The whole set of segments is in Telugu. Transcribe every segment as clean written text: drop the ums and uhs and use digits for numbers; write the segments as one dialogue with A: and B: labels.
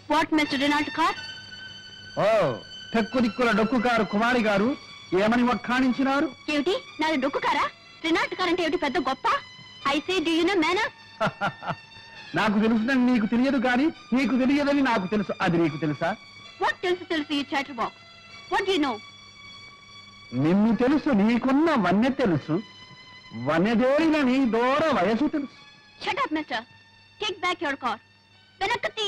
A: What mister Renault car?
B: ఓ టెక్కు దిక్కుల డొక్కు కారు కుమారి గారు ఏమని వక్కాణించినారు?
A: ఏమిటి నాది డొక్కు కారా? రెనాల్ట్ కార్ అంటే ఏమిటి పెద్ద గొప్ప? I say do you know manners?
B: నాకు తెలుసునని నీకు తెలియదు కానీ నీకు తెలియదని నాకు తెలుసు. అది నీకు తెలుసా?
A: వాట్ తెలుసు ఈ chatterbox. What do you know?
B: నిన్ను తెలుసు, నీకున్న వన్నె తెలుసు, వన్నెదేరిన నీ దూర వయసు తెలుసు.
A: Shut up mister. Take back your car. వెనక్కి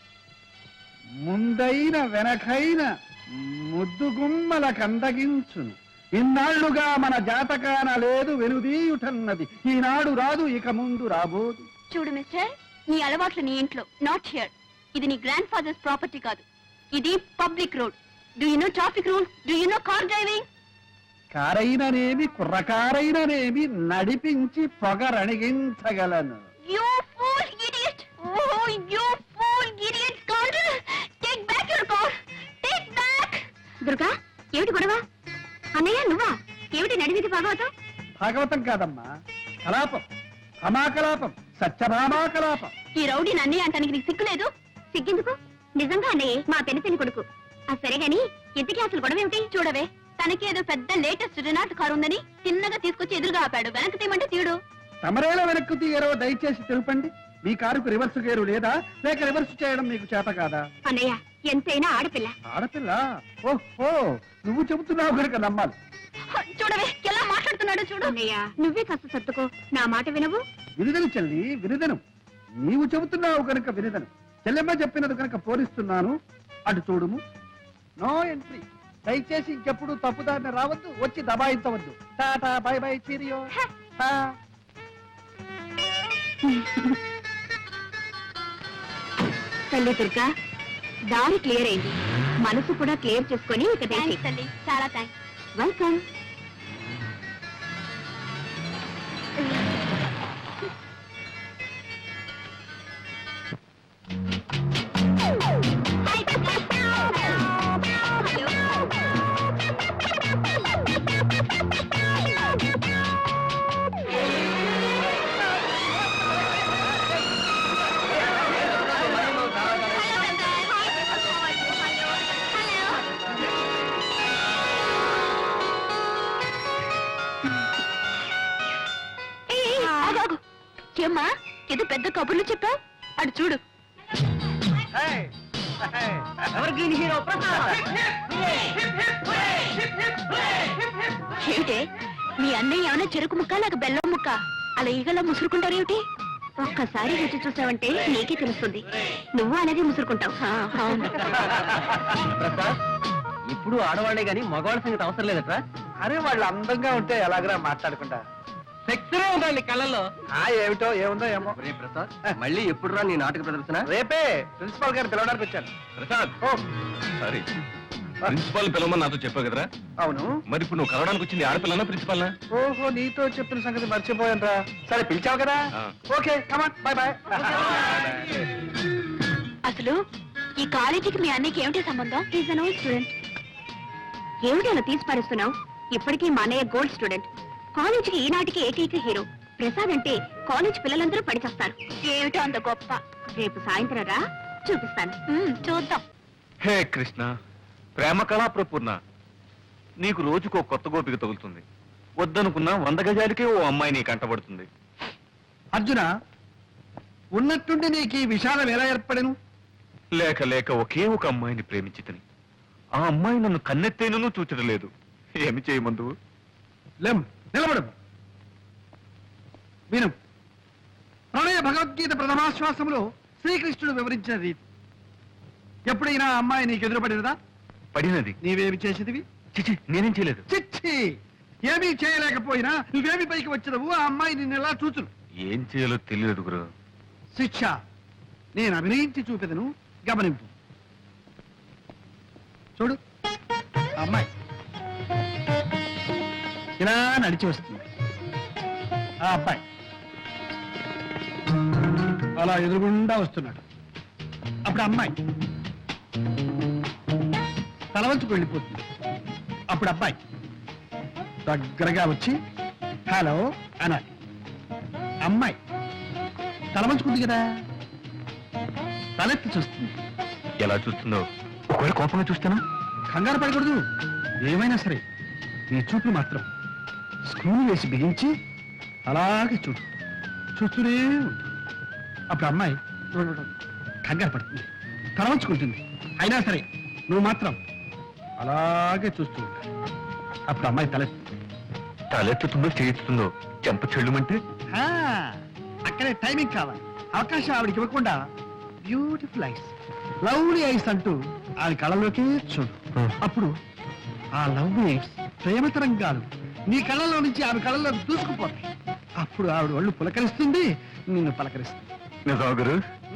B: ముందైన వెనకైన ముద్దు గుమ్మల కందగించును. ఇన్నాళ్లుగా మన జాతకాన లేదు వెనుదీయుటన్నది, ఈనాడు రాదు ఇక ముందు రాబోదు.
A: చూడు మిస్టర్, నీ అలవాట్లు నీ ఇంట్లో, నాట్ హియర్. ఇది నీ గ్రాండ్ ఫాదర్స్ ప్రాపర్టీ కాదు, ఇది public road. Do you know traffic rule? Do you know car driving?
B: కారైననేమి కుర్రకారైననేమి నడిపించి పొగరణిగించగలను.
A: You fool idiot! Oh, you fool idiot! Scoundrel! Take back your car! Take back! Durga, ఏమిటి గొడవ? అన్నయ్య నువ్వా? ఏమిటి నడిమిది భాగవతం?
B: భాగవతం కాదమ్మా, కలాపం, అమాకలాపం, సత్యభామాకలాపం.
A: ఈ రౌడీని అన్నయ్య అంటానికి నీకు సిగ్గులేదు? సిగ్గెందుకు? నిజంగా అన్నయ్య మా పెనితని కొడుకు. సరే గాని ఇంతకీ అసలు గొడవ ఏమిటి? చూడవే, తనకి ఏదో పెద్ద లేటెస్ట్ రెనాల్ట్ కారు ఉందని చిన్నగా తీసుకొచ్చి ఎదురుగా ఆపాడు. వెనక్కి తీయమంటే తీయడు.
B: తమరేలా వెనక్కు తీయరో దయచేసి తెలుపండి. మీ కారుకు రివర్స్ గేరు లేదా, లేక రివర్స్ చేయడం మీకు చేత కాదా?
A: అన్నయ్య ఎంతైనా ఆడపిల్ల.
B: ఆడపిల్ల? ఓహో, నువ్వు చెబుతున్నావు కనుక నమ్మాలి.
A: చూడవే ఎలా మాట్లాడుతున్నాడు చూడు. అన్నయ్య నువ్వే కాస్త సర్దుకో, నా మాట వినవు?
B: వినిదను చెల్లి, వినిదను. నీవు చెబుతున్నావు కనుక వినిదను. చెల్లెమ్మ చెప్పినది కనుక పోలిస్తున్నాను. అటు చూడుము. No entry. దయచేసి ఇంకెప్పుడు తప్పుదారిన రావద్దు, వచ్చి దబాయించవద్దు. Tata bye bye cheerio.
A: తల్లి దుర్గా, దారి క్లియర్ అయింది. మనసు కూడా క్లియర్ చేసుకొని ఇక తల్లి. చాలా థ్యాంక్స్. వెల్కమ్. ఏమ్మా ఏదో పెద్ద కబుర్లు చెప్పావు? అటు చూడు. ఏమిటే మీ అన్నయ్య ఏమైనా చెరుకు ముక్క లేక బెల్లం ముక్క అలా ఈగలా ముసురుకుంటారేమిటి? ఒక్కసారి రుచి చూసావంటే నీకే తెలుస్తుంది. నువ్వు అలాగే ముసురుకుంటావు.
C: ఇప్పుడు ఆడవాళ్లే గాని మగవాళ్ళ సంగతి అవసరం లేదట్రా.
B: అరే వాళ్ళు అందంగా ఉంటే ఎలాగరా మాట్లాడుకుంటా?
C: సెక్సరే ఉందండి కళ్ళల్లో.
B: ఏమిటో ఏముందో ఏమో.
C: ప్రసాద్, మళ్ళీ ఎప్పుడు రా నీ నాటక ప్రదర్శన?
B: రేపే ప్రిన్సిపాల్ గారు పిలవడానికి వచ్చాను.
D: ప్రసాద్, సారీ, ప్రిన్సిపాల్ పిలవమని నాతో చెప్పావు కదరా?
B: అవును.
D: మరి ఇప్పుడు నువ్వు కలవడానికి వచ్చింది ఆడపిల్లనా ప్రిన్సిపాల్?
B: ఓహో, నీతో చెప్పిన సంగతి మర్చిపోయాను రా. సరే పిలిచావు కదా, ఓకే కమాన్, బై బై.
A: అసలు ఈ కాలేజీకి మీ అన్నయ్యకి ఏమిటి సంబంధం? Is an old student. ఏమిటి అలా తీసి పారేస్తున్నావు? ఇప్పటికీ మా అన్నయ్య గోల్డ్ స్టూడెంట్. కాలేజీకి ఈనాటికి ఏకైక హీరో. ప్రసాద్ అంటే కాలేజ్ పిల్లలందరూ పడిచేస్తారు. ఏమిటో అంత గొప్ప. రేపు సాయంత్రం రా, చూపిస్తాను. చూద్దాం.
D: హే కృష్ణ, ప్రేమ కళా ప్రపూర్ణ, నీకు రోజుకో కొత్త గోపిక తగులుతుంది. వద్దనుకున్నా 100 గజాలకే ఓ అమ్మాయి నీ కంటబడుతుంది.
B: అర్జున, ఉన్నట్టుండి నీకు ఈ విషాదం ఎలా ఏర్పడను?
D: లేక లేక ఒకే ఒక అమ్మాయిని ప్రేమించితని ఆ అమ్మాయి నన్ను కన్నెత్తేనూ చూచడం లేదు. ఏమి చేయమందువు?
B: నిలబడు, విను. ప్రణయ భగవద్గీత ప్రథమాశ్వాసంలో శ్రీకృష్ణుడు వివరించిన రీతి. ఎప్పుడైనా అమ్మాయి నీకు ఎదురుపడినదా?
D: పడినది.
B: నీవేమి చేసేదివి?
D: చిచి, నేనేం చేయలేదు.
B: చిచ్చి, ఏమీ చేయలేకపోయినా నువ్వేమి పైకి వచ్చేదవు? ఆ అమ్మాయి నిన్ను ఎలా చూచును?
D: ఏం చేయాలో తెలియదు గురు.
B: శిక్ష నేను అభినయించి చూపెదను, గమనింపు. చూడు, అమ్మాయి ఇలా నడిచి వస్తుంది. ఆ అబ్బాయి అలా ఎదురుగుండా వస్తున్నాడు. అప్పుడు అమ్మాయి తల వంచుకు వెళ్ళిపోతుంది. అప్పుడు అబ్బాయి దగ్గరగా వచ్చి హలో అనాలి. అమ్మాయి తల వంచుకుంది కదా, తలెత్తి చూస్తుంది.
D: ఎలా చూస్తుందో ఒకవేళ కోపంగా చూస్తానా?
B: కంగారు పడకూడదు. ఏమైనా సరే నీ చూపులు మాత్రం స్క్రూలు వేసి బిగించి అలాగే చూడు. చూస్తూనే ఉండు. అప్పుడు అమ్మాయి కంగారు పడుతుంది, తలవంచుకుంటుంది. అయినా సరే నువ్వు మాత్రం అలాగే చూస్తూ ఉండాలి. అప్పుడు అమ్మాయి
D: తలెత్తుతుందో చేయిస్తుందో చెంప చెల్లుమంటే
B: ఆ, అక్కడే టైమింగ్ కావాలి. అవకాశం ఆవిడకి ఇవ్వకుండా బ్యూటిఫుల్ ఐస్, లవ్లీ ఐస్ అంటూ ఆవిడ కళ్ళలోకి చూడు. అప్పుడు ఆ లవ్లీ ఐస్ ప్రేమ తరంగాలు నీ కళ్ళలో నుంచి ఆమె కళ్ళలో దూసుకుపోతాయి. అప్పుడు ఆవిడ ఒళ్ళు పులకరిస్తుంది, నిన్ను పలకరిస్తుంది.
D: నిజమా గురు?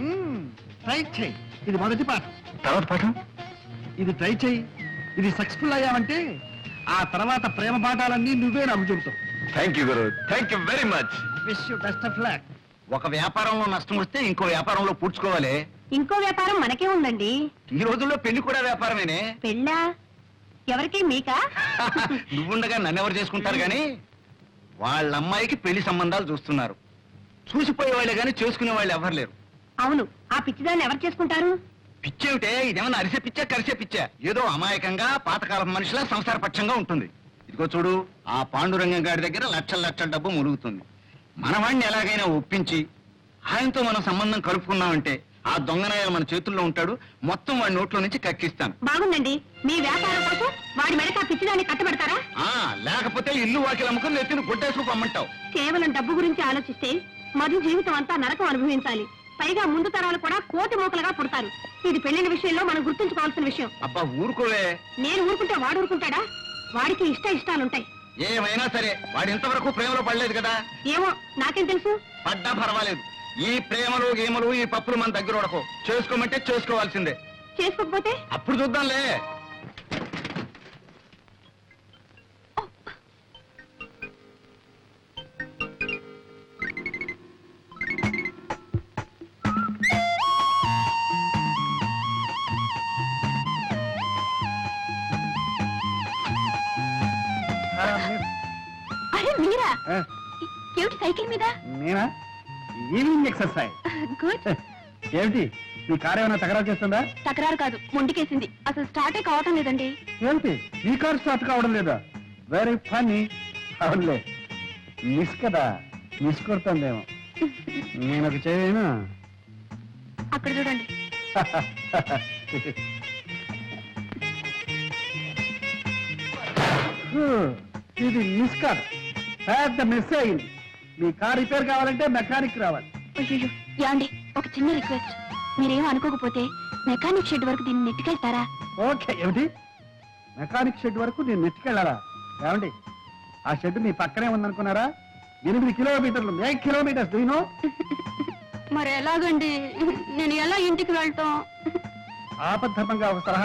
B: ట్రై చేయి. ఇది మొదటి పాఠం.
D: తర్వాత పాఠం?
B: ఇది ట్రై చేయి. ఇది సక్సెస్ఫుల్ అయ్యావంటే ఆ తర్వాత ప్రేమ పాఠాలన్నీ నువ్వే నాకు చెబుతావు.
D: థ్యాంక్ యూ గురు, thank you very much.
B: Wish you best of luck.
E: ఒక వ్యాపారంలో నష్టం వస్తే ఇంకో వ్యాపారంలో పూడ్చుకోవాలి.
A: ఇంకో వ్యాపారం మనకే ఉందండి.
E: ఈ రోజుల్లో పెళ్లి కూడా వ్యాపారమేనే.
A: పెళ్ళా? ఎవరికి, మీకా?
E: నువ్వుండగా నన్నెవరు చేసుకుంటారు గాని వాళ్ళ అమ్మాయికి పెళ్లి సంబంధాలు చూస్తున్నారు. చూసిపోయే వాళ్ళే గాని చేసుకునే వాళ్ళు ఎవరు లేరు.
A: అవును, ఆ పిచ్చిదాన్ని ఎవరు చేసుకుంటారు?
E: పిచ్చేమిటే, ఇదేమన్నా అరిసే పిచ్చా కరిసే పిచ్చా? ఏదో అమాయకంగా పాతకాలం మనిషిలా సంసార పక్షంగా ఉంటుంది. ఇదిగో చూడు, ఆ పాండురంగం గారి దగ్గర లక్షల లక్షల డబ్బు ములుగుతుంది. మనవాణ్ణి ఎలాగైనా ఒప్పించి ఆయనతో మనం సంబంధం కలుపుకున్నామంటే ఆ దొంగనాయాలు మన చేతుల్లో ఉంటాడు. మొత్తం వాడి నోట్లో నుంచి కక్కిస్తాను.
A: బాగుందండి. మీ వ్యాపారం కోసం వాడి మెడక ఆ పిచ్చిదాన్ని కట్టబెడతారా?
E: లేకపోతే ఇల్లు వాకిలు అమ్ముకుని ఎత్తిని గుడ్డేసుకు పమ్మంటావు.
A: కేవలం డబ్బు గురించి ఆలోచిస్తే మధు జీవితం అంతా నరకం అనుభవించాలి. పైగా ముందు తరాలు కూడా కోటి మూకలుగా పుడతారు. ఇది పెళ్లిన విషయంలో మనం గుర్తుంచుకోవాల్సిన విషయం.
E: అబ్బా ఊరుకోవే.
A: నేను ఊరుకుంటే వాడు ఊరుకుంటాడా? వాడికి ఇష్టాలుంటాయి.
E: ఏమైనా సరే వాడు ఇంతవరకు ప్రేమలో పడలేదు కదా.
A: ఏమో, నాకేం తెలుసు?
E: పడ్డా పర్వాలేదు. ఈ ప్రేమలు గేమలు ఈ పప్పులు మన దగ్గర ఉడకో. చేసుకోమంటే చేసుకోవాల్సిందే.
A: చేసుకోకపోతే
E: అప్పుడు చూద్దాంలే.
A: అరే మీరా? ఏమిటి సైకిల్ మీద?
B: నేనా? Evening exercise.
A: గుడ్.
B: ఏమిటి నీ కారు ఏమైనా తగరాలు చేస్తుందా?
A: తకరారు కాదు, మొండికేసింది. అసలు స్టార్టే కావటం లేదండి.
B: ఏమిటి నీ కారు స్టార్ట్ కావడం లేదా? Very funny. అవునులే, మిస్ కదా, మిస్ కొడుతుందేమో. నేను ఒక చేయను.
A: అక్కడ చూడండి.
B: ఇది మిస్ కాదు, పెద్ద మిస్ అయింది. మీ కార్ రిపేర్ కావాలంటే మెకానిక్ రావాలి.
A: అయ్యో, యాండి, ఒక చిన్న రిక్వెస్ట్. మీరేం అనుకోకపోతే మెకానిక్ షెడ్ వరకు దీన్ని నెట్టుకెళ్తారా?
B: ఓకే. ఏమిటి, మెకానిక్ షెడ్ వరకు నేను నెట్టుకెళ్ళాలా? ఏమండి, ఆ షెడ్ మీ పక్కనే ఉందనుకున్నారా? 8 కిలోమీటర్లు, 8 కిలోమీటర్స్. దూనో
A: మరి ఎలాగండి? నేను ఎలా ఇంటికి వెళ్తాం?
B: ఆపద్ధర్మంగా ఒక సలహా